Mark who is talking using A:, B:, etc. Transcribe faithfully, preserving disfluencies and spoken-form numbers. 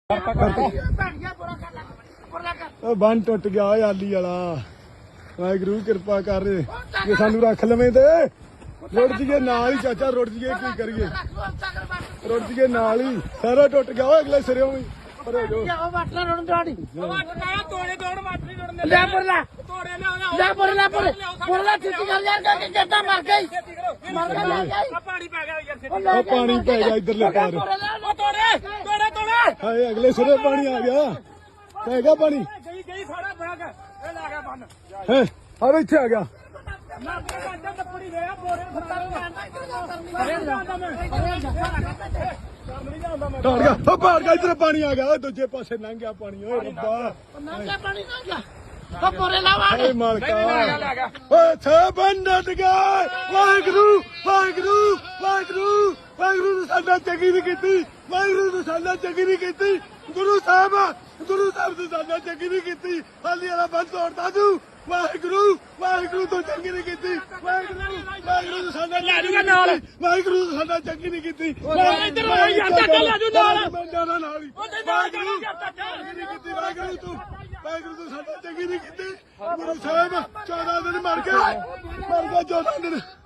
A: ਬੰਨ ਟੁੱਟ ਗਿਆ ਓਏ ਆਲੀ ਵਾਲਾ। ਵਾਹਿਗੁਰੂ ਕਿਰਪਾ ਕਰ ਜੇ ਸਾਨੂੰ ਰੱਖ ਲਵੇਂ ਤੇ ਰੁੜ ਜੀਏ ਨਾਲ ਹੀ। ਚਾਚਾ ਰੁੜ ਜੀਏ ਕੀ ਕਰੀਏ, ਰੁੜ ਜੀਏ ਨਾਲ ਹੀ। ਸਾਰਾ ਟੁੱਟ ਗਿਆ ਓਏ ਅਗਲੇ ਸਿਰੇ ਵੀ ਪਰੇ ਜੋ ਪਾਣੀ ਪੈ ਗਿਆ ਇਧਰਲੇ ਪਾਰ। ਹਾਏ ਅਗਲੇ ਸਿਰੇ ਪਾਣੀ ਆ ਗਿਆ, ਪੈ ਗਿਆ ਪਾਣੀ। ਹੈ ਆ ਇੱਥੇ ਆ ਗਿਆ। ਟਾੜ ਗਿਆ ਉਹ ਪਾੜ ਗਿਆ, ਇਧਰ ਪਾਣੀ ਆ ਗਿਆ। ਦੂਜੇ ਪਾਸੇ ਲੰਘ ਗਿਆ ਪਾਣੀ। ਓਏ ਰੱਬਾ ਓਏ ਮਾਲਕਾ ਓਏ ਛਾਬਨ ਡਟ ਗਿਆ। ਵਾਹਿਗੁਰੂ ਵਾਹਿਗੁਰੂ ਵਾਹਿਗੁਰੂ ਵਾਹਿਗੁਰੂ ਨੇ ਸਾਡਾ ਚੰਗੀ ਨਹੀਂ ਕੀਤੀ। ਵਾਹਿਗੁਰੂ ਨੇ ਸਾਡਾ ਚੰਗੀ ਨਹੀਂ ਕੀਤੀ। ਗੁਰੂ ਸਾਹਿਬ ਗੁਰੂ ਸਾਹਿਬ ਨੇ ਸਾਡਾ ਚੰਗੀ ਨਹੀਂ ਕੀਤੀ। ਹਾਲੀ ਵਾਲਾ ਬੰਦ ਤੋੜਦਾ ਤੂੰ। ਵਾਹਿਗੁਰੂ ਵਾਹਿਗੁਰੂ ਤੋਂ ਚੰਗੀ ਨਹੀਂ ਕੀਤੀ। ਵਾਹਿਗੁਰੂ ਵਾਹਿਗੁਰੂ ਨੇ ਸਾਡਾ ਨਾਲ ਵਾਹਿਗੁਰੂ ਨੇ ਸਾਡਾ ਚੰਗੀ ਨਹੀਂ ਕੀਤੀ। ਵਾਹਿਗੁਰੂ ਤੂੰ ਵਾਹਿਗੁਰੂ ਤੂੰ ਸਾਡਾ ਚੰਗੀ ਨਹੀਂ ਕੀਤੀ। ਗੁਰੂ ਸਾਹਿਬ ਚੌਦਾਂ ਦਿਨ ਮਰ ਗਏ, ਮਰ ਗਿਆ ਚੌਦਾਂ ਦਿਨ।